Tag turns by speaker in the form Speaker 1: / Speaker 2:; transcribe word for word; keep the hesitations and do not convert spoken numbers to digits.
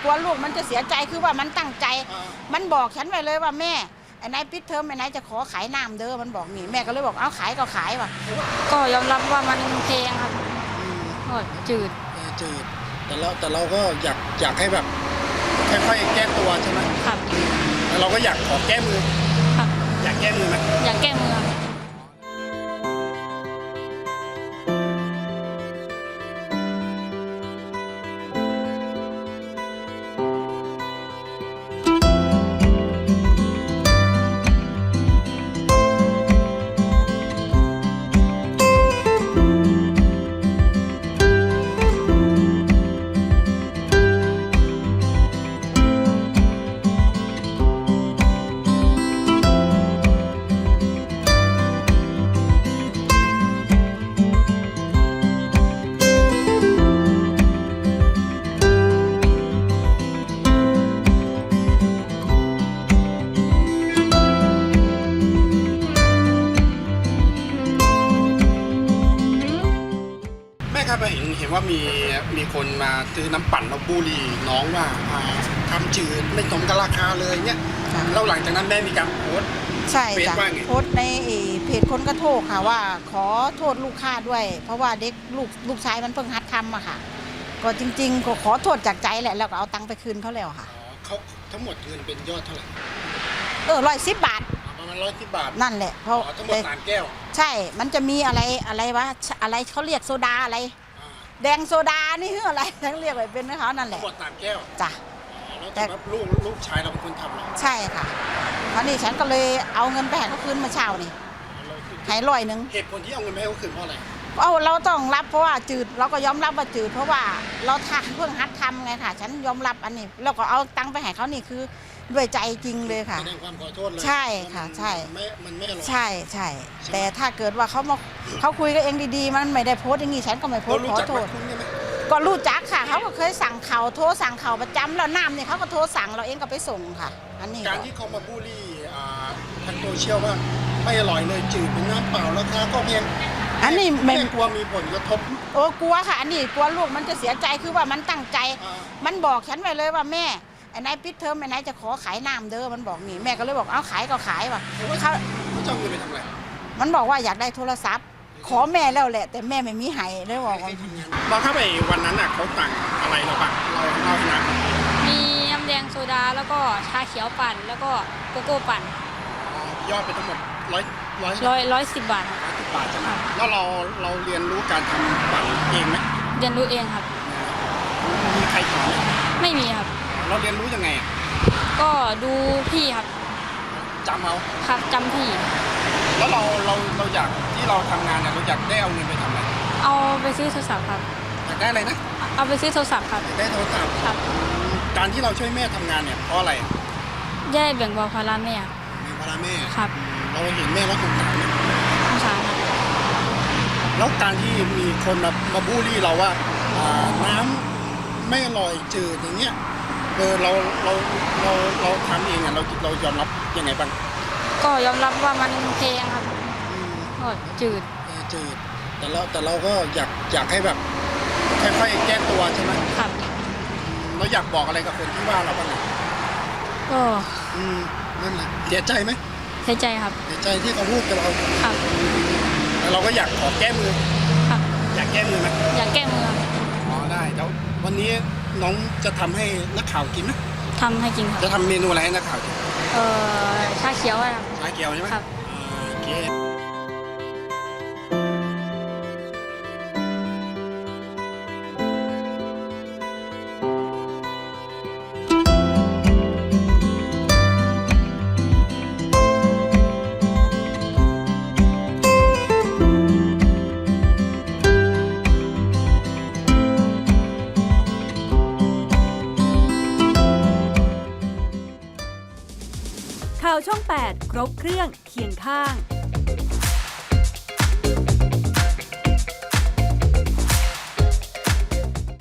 Speaker 1: กลัวลูกมันจะเสียใจคือว่ามันตั้งใจมันบอกฉันไว้เลยว่าแม่ไอ้นายปิดเทอมไอ้นายจะขอขายน้ำเด้อมันบอกนี่แม่ก็เลยบอกเอาขายก็ขายว่ะ
Speaker 2: ก็ยอมรับว่ามันแพงครับก็จืด
Speaker 3: จืดแต่เราแต่เราก็อยากอยากให้แบบค่อยๆแก้ตัวใช่ไหม
Speaker 2: ครับ
Speaker 3: แต่เราก็อยากขอแก้มือ
Speaker 2: ครับ
Speaker 3: อยากแก้มือไหม
Speaker 2: อยากแก้มือ
Speaker 3: เห็นเห็นว่ามีมีคนมาซื้อน้ำปั่นมาบูลลี่น้องว่าทำจืดไม่สมกับราคาเลยเนี่ยแล้วหลังจากนั้นแม่มีการโพสต์
Speaker 1: ใช่จ้ะโพสต์ในเพจคนกระโทกค่ะว่าขอโทษลูกค้าด้วยเพราะว่าเด็กลูกลูกชายมันเพิ่งหัดทำอะค่ะก็จริงๆก็ขอโทษจากใจแหละแล้วก็เอาตังค์ไปคืนเขาแล้วค่ะ
Speaker 3: เขาทั้งหมดเงินเป็นยอดเท่าไหร่
Speaker 1: เออร้อยสิบบาท
Speaker 3: ประมาณร้อยสิบบาท
Speaker 1: นั่นแหละเพราะ
Speaker 3: ทั้งหมดสามแก้ว
Speaker 1: ใช่มันจะมีอะไรอะไรวะอะไรเขาเรียกโซดาอะไรแดงโซดานี่คืออะไรทั้งเรียกไว้เป็นนะคะนั่นแหละ
Speaker 3: หมดสามแก้ว
Speaker 1: จ้ะ
Speaker 3: แต่ลูกลูกชายเราเป็นคนทำเหรอ
Speaker 1: ใช่ค่ะคราวนี้ฉันก็เลยเอาเงินไปให้เขาคืนมาเช้านี่ให้ร้อยหนึ่ง
Speaker 3: เหตุผลที่เอาเงินไปให้เขาคืนเพราะอะไร
Speaker 1: เอาเราต้องรับเพราะว่าจืดเราก็ยอมรับว่าจืดเพราะว่าเราทักเพิ่งหัดทำไงค่ะฉันยอมรับอันนี้แล้วก็เอาตังค์ไปให้เขานี่คือด้วยใจจริงเลยค่ะ
Speaker 3: แสดงความขอโทษเลย
Speaker 1: ใช่ค่ะใช่
Speaker 3: มันไม่อร่อย
Speaker 1: ใช่ใช่แต่ถ้าเกิดว่าเขามาเขาคุยกันเองดีๆมันไม่ได้โพสต์อย่างนี้ฉันก็ไม่โพสต์ขอโทษก็รู้จักค่ะเขาก็เคยสั่งเขาโทรสั่งเขาประจำแล้วน้ำเนี่ยเขาก็โทรสั่งเราเองก็ไปส่งค่ะอันนี้
Speaker 3: การที่เขามาบูลลี่ทางโซเชียลว่าไม่อร่อยเลยจืดเป็นน้ำเปล่าราคาก็เพียง
Speaker 1: อันนี้
Speaker 3: ไม่กลัวมีผลกระทบ
Speaker 1: โอ้กลัวค่ะอันนี้กลัวลูกมันจะเสียใจคือว่ามันตั้งใจมันบอกฉันไว้เลยว่าแม่ไอ้นายปิดเทอมไอ้นายจะขอขายน้ำเด้อมันบอกนี่แม่ก็เลยบอกเอาขายก็ขายว่ะ
Speaker 3: เขาเขาจะเอาเงินไปทำอะไร
Speaker 1: มันบอกว่าอยากได้โทรศัพท์ขอแม่แล้วแหละแต่แม่ไม่มีให้เลยบอกว่า
Speaker 3: เราเข้าไปวันนั้นอ่ะเขาสั่งอะไรเราบ้างเราเล่าให้นะ
Speaker 2: มีน้ำแดงโซดาแล้วก็ชาเขียวปั่นแล้วก็โกโก้ปั่น
Speaker 3: ยอดไปทั้งหมดร้อยร้อย
Speaker 2: ร้อยร้อยสิบบาท
Speaker 3: ร้อยสิบบาทใช่ไหมแล้วเราเราเรียนรู้การทำปั่นเองไหม
Speaker 2: เรียนรู้เองครับ
Speaker 3: มีใครสอน
Speaker 2: ไม่มีครับ
Speaker 3: เราเรียนรู้ยังไงอ่ะ
Speaker 2: ก็ดูพี่ครับ
Speaker 3: จำเอา
Speaker 2: ครับจำพี่
Speaker 3: แล้วเราเราเราอยากที่เราทำงานเนี่ยเราอยากได้เอาเงินไปทำอะไร
Speaker 2: เอาไปซื้อโทรศัพท์ครับ
Speaker 3: อยากได้อะไรนะ
Speaker 2: เอาไปซื้อโทรศัพท์ครับ
Speaker 3: ได้โทรศัพท์
Speaker 2: ครับ
Speaker 3: การที่เราช่วยแม่ทำงานเนี่ยเพราะอะไร
Speaker 2: ได้แบ่งเบาภาระแม่
Speaker 3: แบ่งภาระแม่
Speaker 2: ครับ
Speaker 3: เราเห็นแม่แล้วสงสารไหม
Speaker 2: สงสารครับ
Speaker 3: แล้วการที่มีคนมามาบูลลี่เราว่าน้ำไม่อร่อยจืดอย่างเงี้ยเออเราเราเราเราทำเองอ่ะเราเรายอมรับยังไงบ้าง
Speaker 2: ก็ยอมรับว่ามันแพงครับก็จืด
Speaker 3: จืดแต่เราแต่เราก็อยากอยากให้แบบค่อยๆแก้ตัวใช่ไหม
Speaker 2: ครับ
Speaker 3: เราอยากบอกอะไรกับคนที่ว่าเราบ้าง
Speaker 2: ก็
Speaker 3: อืมนั่นแหละเสียใจไหม
Speaker 2: เสียใจครับ
Speaker 3: เสียใจที่เขาพูดกับเรา
Speaker 2: ครับ
Speaker 3: แต่เราก็อยากขอแก้มือ
Speaker 2: ครับ
Speaker 3: อยากแก้มือไหม
Speaker 2: อยากแก้มือ
Speaker 3: อ๋อได้แล้ววันนี้น้องจะทำให้นักข่าวกินไหม
Speaker 2: ทำให้กินครับ
Speaker 3: จะทำเมนูอะไรให้นักข่าวกิน
Speaker 2: เออชาเขียวครับ
Speaker 3: ชาเขียวใช่ไหม
Speaker 2: ครับ
Speaker 3: โอเค
Speaker 4: ข่าวช่องแปดครบเครื่องเคียงข้าง